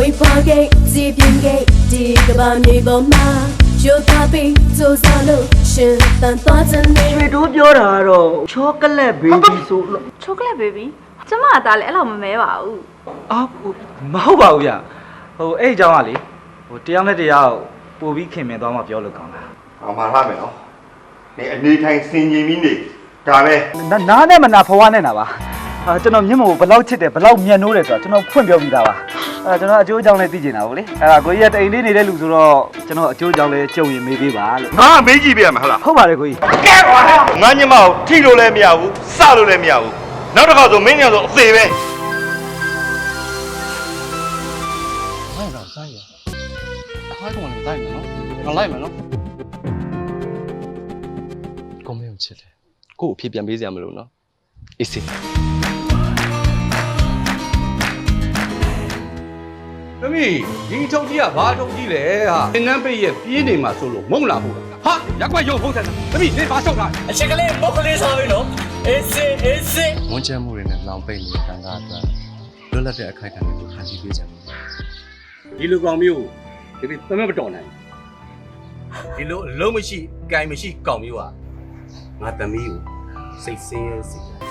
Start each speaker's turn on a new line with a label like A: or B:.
A: We forget the bien gate, dig about me, but ma. You copy, so solo, shit, and thoughts and me.
B: ရွှေတိုးပြောတာကတော့ချောကလက်ဘေဘီဆိုလို့
C: chocolate baby ကျမကဒါလည်းအဲ့လိုမမဲပါဘူး
D: အာမဟုတ်ပါဘူးဗျဟိုအဲ့အကြောင်းကလေဟိုတရားနဲ့တရားပို့ပြီးခင်မင်သွားမှပြောလို့ကောင်းတာ
E: ။အမှားထားမယ်နော်။နေအနေထိုင်စင်ကြင်ပြီးနေဒါပဲ
D: နားနဲ့မနာဖွားနဲ့နာပါကျွန်တော်မျက်မှောကိုဘယ်လောက်ချစ်တယ်ဘယ်လောက်မြတ်နိုးတယ်ဆိုတာကျွန်တော်ဖွင့်ပြောပြီးသားပါကျွန်တော်အကျိုးအကြောင်းလေးသိချင်တာပေါ့လေအဲ့ဒါကိုကြီးကတိန်လေးနေတဲ့လူဆိုတော့ကျွန်တော်အကျိုးအကြောင်းလေးကြုံရင်မေးပေးပါလို့
E: ။ငါမေးကြည့်ပြရမှာဟုတ်လား
D: ဟုတ်ပါတယ်ကိုကြီး
E: ။ကဲကွာ။ငါညမကိုထိလို့လည်းမရဘူးစလို့လည်းမရဘူး။နောက်တစ်ခါဆိုမင်းညံဆိုအသေးပဲ
F: လိုက်တော့ဆိုင်ရအားကောင်လည်းလိုက်မယ်နော်ငါလိုက်မယ်နော်ကိုမင်းကိုချစ်တယ်ကို့အဖြစ်ပြန်ပေးစရာမလိုနော်အေးစေ
G: သမီးဒီထုံကြီးကဘာထုံကြီးလဲဟာသင်္ကန်းပိတ်ရဲ့ပြေးနေမှာဆိုလို့မုံလာဖို့ဟာရက်ကွက်ရုံဖုံးတယ်သမီးနေပါရှောက်တာ
H: အချက်ကလေးမုတ်ကလေးစားပြီနော်အေးစေးအေးစေး
F: ဝန်ချမ်းမှုတွေနဲ့လောင်ပိတ်နေတဲ့တန်ခါအတွက်လွတ်လပ်တဲ့အခိုက်အတန့်တွေကိုခံယူပေးကြတယ်
G: ဒီလိုကောင်မျိုးဒီသမက်မတော်နိုင်ဒီလိုအလုံးမရှိ၊ကင်မရှိကောင်မျိုးဟာငါသမီးကိုစိတ်ဆင်းရဲစေတယ်